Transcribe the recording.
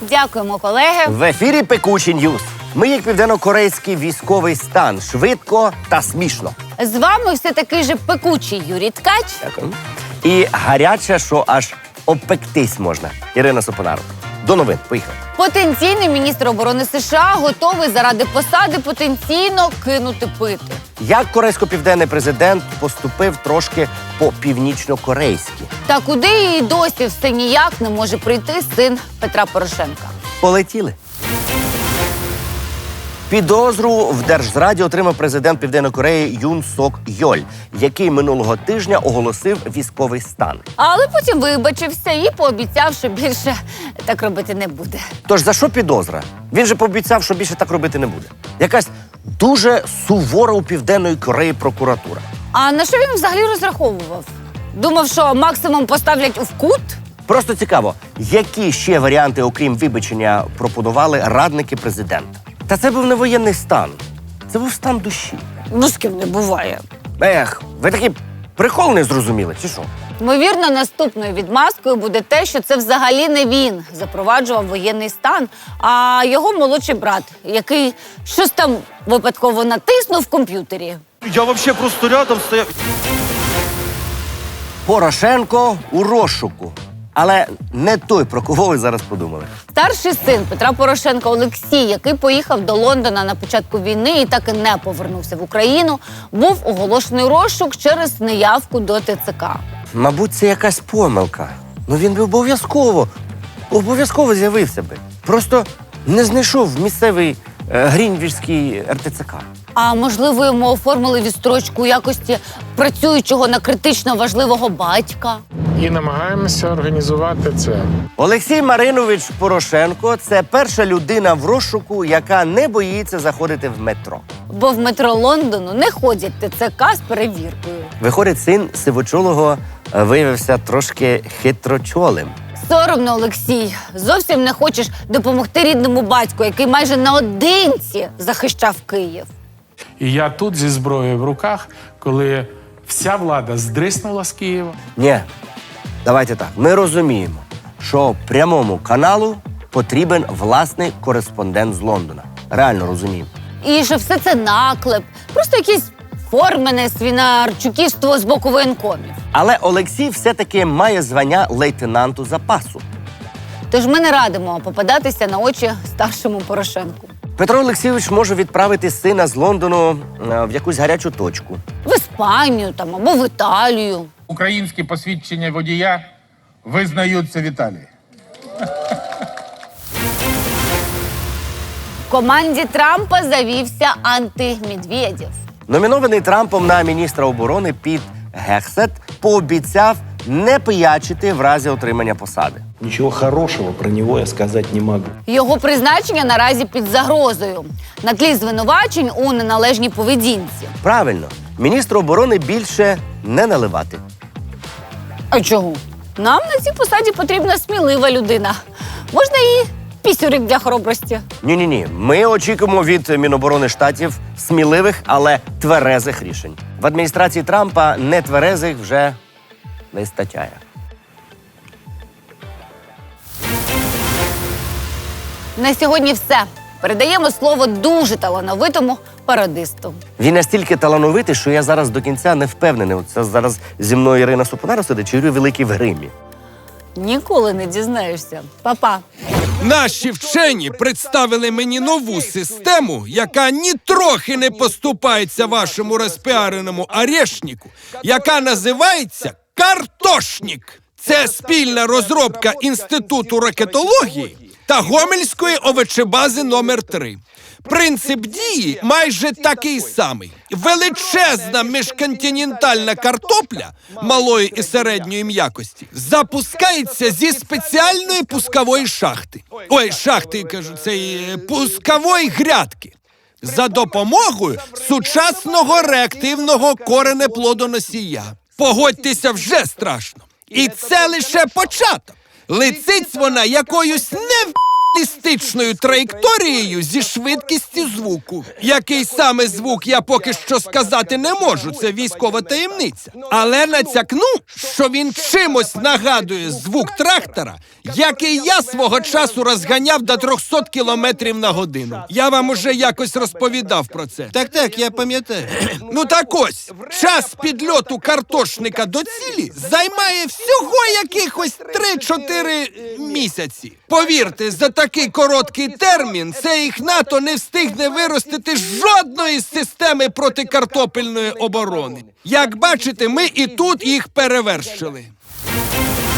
Дякуємо, колеги. В ефірі «Пекучі Ньюз». Ми, як південно-корейський військовий стан, швидко та смішно. З вами все такий же пекучий Юрій Ткач. Дякую. І гаряче, що аж обпектись можна. Ірина Сопонарок. До новин. Поїхали. Потенційний міністр оборони США готовий заради посади потенційно кинути пити. Як корейсько-південний президент поступив трошки по-північно-корейськи. Та куди і досі все ніяк не може прийти син Петра Порошенка. Полетіли. Підозру в Держзраді отримав президент Південної Кореї Юн Сок Йоль, який минулого тижня оголосив військовий стан. Але потім вибачився і пообіцяв, що більше так робити не буде. Тож за що підозра? Він же пообіцяв, що більше так робити не буде. Якась дуже сувора у Південної Кореї прокуратура. А на що він взагалі розраховував? Думав, що максимум поставлять у кут? Просто цікаво, які ще варіанти, окрім вибачення, пропонували радники президента? Та це був не воєнний стан. Це був стан душі. Ну, з ким не буває. Ех, ви такий прикол не зрозуміли, чи що? Ймовірно, наступною відмазкою буде те, що це взагалі не він запроваджував воєнний стан, а його молодший брат, який щось там випадково натиснув в комп'ютері. Я вообще просто рядом стояв. Порошенко у розшуку. Але не той, про кого ви зараз подумали. Старший син Петра Порошенка Олексій, який поїхав до Лондона на початку війни і так і не повернувся в Україну, був оголошений розшук через неявку до ТЦК. Мабуть, це якась помилка. Ну він би обов'язково з'явився би. Просто не знайшов місцевий Грінвічський РТЦК. А можливо, йому оформили відстрочку у якості працюючого на критично важливого батька? І намагаємося організувати це. Олексій Маринович Порошенко – це перша людина в розшуку, яка не боїться заходити в метро. Бо в метро Лондону не ходять ТЦК з перевіркою. Виходить, син сивочолого виявився трошки хитрочолим. Соромно, Олексій. Зовсім не хочеш допомогти рідному батьку, який майже наодинці захищав Київ. І я тут зі зброєю в руках, коли вся влада здриснула з Києва. Ні, давайте так. Ми розуміємо, що прямому каналу потрібен власний кореспондент з Лондона. Реально розуміємо. І що все це наклеп, просто якесь формене свинарчуківство з боку воєнкомів. Але Олексій все-таки має звання лейтенанту запасу. Тож ми не радимо попадатися на очі старшому Порошенку. Петро Олексійович може відправити сина з Лондону в якусь гарячу точку. В Іспанію там або в Італію. Українські посвідчення водія визнаються в Італії. В команді Трампа завівся антимедведєв. Номінований Трампом на міністра оборони Піт Гексет пообіцяв не пиячити в разі отримання посади. Ничего хорошего про него я сказать не могу. Його призначення наразі під загрозою на тлі звинувачень у неналежній поведінці. Правильно, міністру оборони більше не наливати. А чого? Нам на цій посаді потрібна смілива людина. Можна і пісюрик для хоробрості. Ні-ні-ні, ми очікуємо від Міноборони Штатів сміливих, але тверезих рішень. В адміністрації Трампа нетверезих вже не вистачає. На сьогодні все. Передаємо слово дуже талановитому пародисту. Він настільки талановитий, що я зараз до кінця не впевнений. Це зараз зі мною Ірина Сопонарок сидить, чи Юрій Великий в гримі. Ніколи не дізнаєшся. Па-па. Наші вчені представили мені нову систему, яка нітрохи не поступається вашому розпіареному орешнику, яка називається «Картошник». Це спільна розробка Інституту ракетології та Гомельської овочебази номер 3. Принцип дії майже такий самий. Величезна міжконтинентальна картопля малої і середньої м'якості запускається зі спеціальної пускової шахти. Пускової грядки. За допомогою сучасного реактивного коренеплодоносія. Погодьтеся, вже страшно. І це лише початок. Летить вона якоюсь балістичною траєкторією зі швидкістю звуку. Який саме звук я поки що сказати не можу, це військова таємниця. Але натякну, що він чимось нагадує звук трактора, який я свого часу розганяв до 300 кілометрів на годину. Я вам уже якось розповідав про це. Так, я пам'ятаю. Ну так ось, час підльоту картошника до цілі займає всього якихось 3-4 місяці. Повірте, за такий короткий термін цей НАТО не встигне виростити жодної системи протикартопельної оборони. Як бачите, ми і тут їх перевершили.